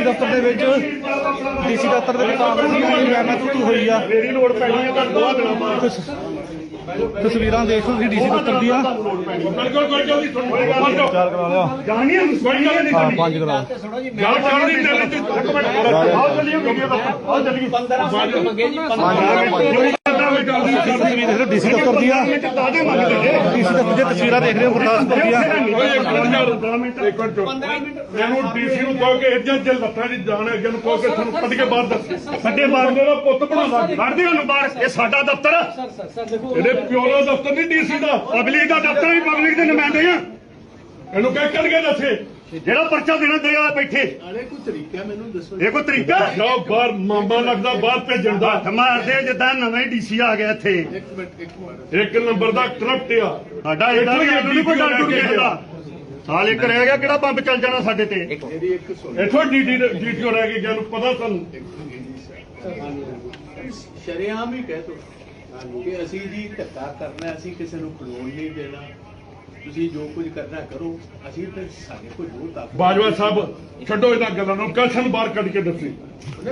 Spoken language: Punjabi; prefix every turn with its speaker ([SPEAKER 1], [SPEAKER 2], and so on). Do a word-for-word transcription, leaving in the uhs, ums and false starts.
[SPEAKER 1] ਦਫ਼ਤਰ ਦੇ ਵਿੱਚ ਡੀਸੀ ਦਫ਼ਤਰ ਦੇ ਵਿੱਚ ਕਾਂਗਰਸ ਦੀ ਮਹਿਮਤ ਹੋਈ ਆ।
[SPEAKER 2] ਮੇਰੀ ਲੋੜ ਪੈਣੀ ਹੈ ਤਾਂ ਦੋ ਦਿਨਾਂ ਬਾਅਦ
[SPEAKER 1] ਤਸਵੀਰਾਂ ਦੇਖ ਲਓ ਤੁਸੀਂ ਡੀਸੀ ਦਫ਼ਤਰ ਦੀਆਂ।
[SPEAKER 2] ਬਿਲਕੁਲ ਕੋਈ ਜਲਦੀ ਸੁਣੋ
[SPEAKER 1] ਚਾਰ ਕਰਾ ਲਿਆ
[SPEAKER 2] ਜਾਣੀ ਹੈ ਕੋਈ ਗੱਲ ਨਹੀਂ
[SPEAKER 1] ਹਾਂ ਪੰਜ ਕਰਾ
[SPEAKER 2] ਗੱਲ ਚੱਲਦੀ ਚੱਲਦੀ ਇੱਕ ਮਿੰਟ ਆਓ ਚੱਲੀਏ ਵੀਡੀਓ ਦਾ ਆਓ ਚੱਲੀਏ ਪੰਦਰਾਂ ਮਿੰਟ ਮੰਗੇ ਜੀ ਤਸਵੀਰ ਦੇਖ ਲਓ ਡੀਸੀ ਦਫ਼ਤਰ ਦੀਆਂ। ਡੀਸੀ ਦਫ਼ਤਰ ਦੀਆਂ ਤਸਵੀਰਾਂ ਦੇਖ ਰਹੇ ਹੋ ਗੁਰਦਾਸਪੁਰ ਦੀਆਂ। ਇਹਨੂੰ ਡੀਸੀ ਨੂੰ ਕਹੋ ਕਿ ਇੱਜਾ ਜੇ ਲੱਤਾਂ ਦੀ ਜਾਣ ਅੱਗੇ ਨੂੰ ਕਹੋ ਕਿ ਤੁਹਾਨੂੰ ਕੱਢ ਕੇ ਬਾਹਰ ਦੱਸ ਸਾਡੇ ਬਾਹਰ ਦਾ ਪੁੱਤ ਬਣਾਉਂਦਾ ਕੱਢਦੇ ਉਹਨੂੰ ਬਾਹਰ। ਇਹ ਸਾਡਾ ਦਫ਼ਤਰ ਆ, ਇਹਦੇ ਪਿਓ ਦਾ ਦਫ਼ਤਰ ਨਹੀਂ ਡੀਸੀ ਦਾ, ਪਬਲਿਕ ਦਾ ਦਫ਼ਤਰ ਵੀ ਪਬਲਿਕ ਦੇ ਨੁਮਾਇੰਦੇ ਆ। ਇਹਨੂੰ ਕਹਿ ਕੱਢ ਕੇ ਦੱਸੇ ਜਿਹੜਾ ਪਰਚਾ ਦੇਣਾ ਦੇਗਾ ਬੈਠੇ।
[SPEAKER 3] ਅਰੇ ਕੋਈ ਤਰੀਕਾ ਮੈਨੂੰ ਦੱਸੋ।
[SPEAKER 2] ਇਹ ਕੋਈ ਤਰੀਕਾ ਜਾਓ ਬਾਹਰ ਮਾਮਾ ਲੱਗਦਾ ਬਾਹਰ ਭੇਜਣ ਦਾ। ਮਾਰਦੇ ਜਿੱਦਾਂ ਨਵੇਂ ਡੀਸੀ ਆ ਗਿਆ ਇੱਥੇ।
[SPEAKER 3] ਇੱਕ ਮਿੰਟ ਇੱਕ ਮਿੰਟ
[SPEAKER 2] ਇੱਕ ਨੰਬਰ ਦਾ ਕਰਪਟ ਆ ਸਾਡਾ। ਇਹਦਾ ਵੀ ਨਹੀਂ ਕੋਈ ਡਰ ਡੁਰ ਕਿਸੇ ਦਾ। ਸਾਲ ਇੱਕ ਰਹਿ ਗਿਆ ਕਿਹੜਾ ਬੰਬ ਚੱਲ ਜਾਣਾ ਸਾਡੇ ਤੇ।
[SPEAKER 3] ਮੇਰੀ ਇੱਕ ਸੁਣ
[SPEAKER 2] ਇੱਥੋਂ ਡੀਟੀ ਡੀਟੀਓ ਰਹਿ ਗਈ ਜਿਹਨੂੰ ਪਤਾ ਸਾਨੂੰ।
[SPEAKER 3] ਸ਼ਰੇਆਮ ਹੀ ਕਹਿ ਤੋ ਕਿ ਅਸੀਂ ਜੀ ਧੱਕਾ ਕਰਨਾ, ਅਸੀਂ ਕਿਸੇ ਨੂੰ ਖਲੋਣ ਨਹੀਂ ਦੇਣਾ, ਤੁਸੀਂ ਜੋ ਕੁਝ ਕਰਨਾ ਕਰੋ, ਅਸੀਂ ਤੇ ਸਾਡੇ ਕੋਲ ਜੋ ਤਾਕਤ।
[SPEAKER 2] ਬਾਜਵਾ ਸਾਹਿਬ ਛੱਡੋ ਇਹਨਾਂ ਗੱਲਾਂ ਨੂੰ, ਕਸ਼ਨ ਬਾਹਰ ਕੱਢ ਕੇ ਦੱਸੀ।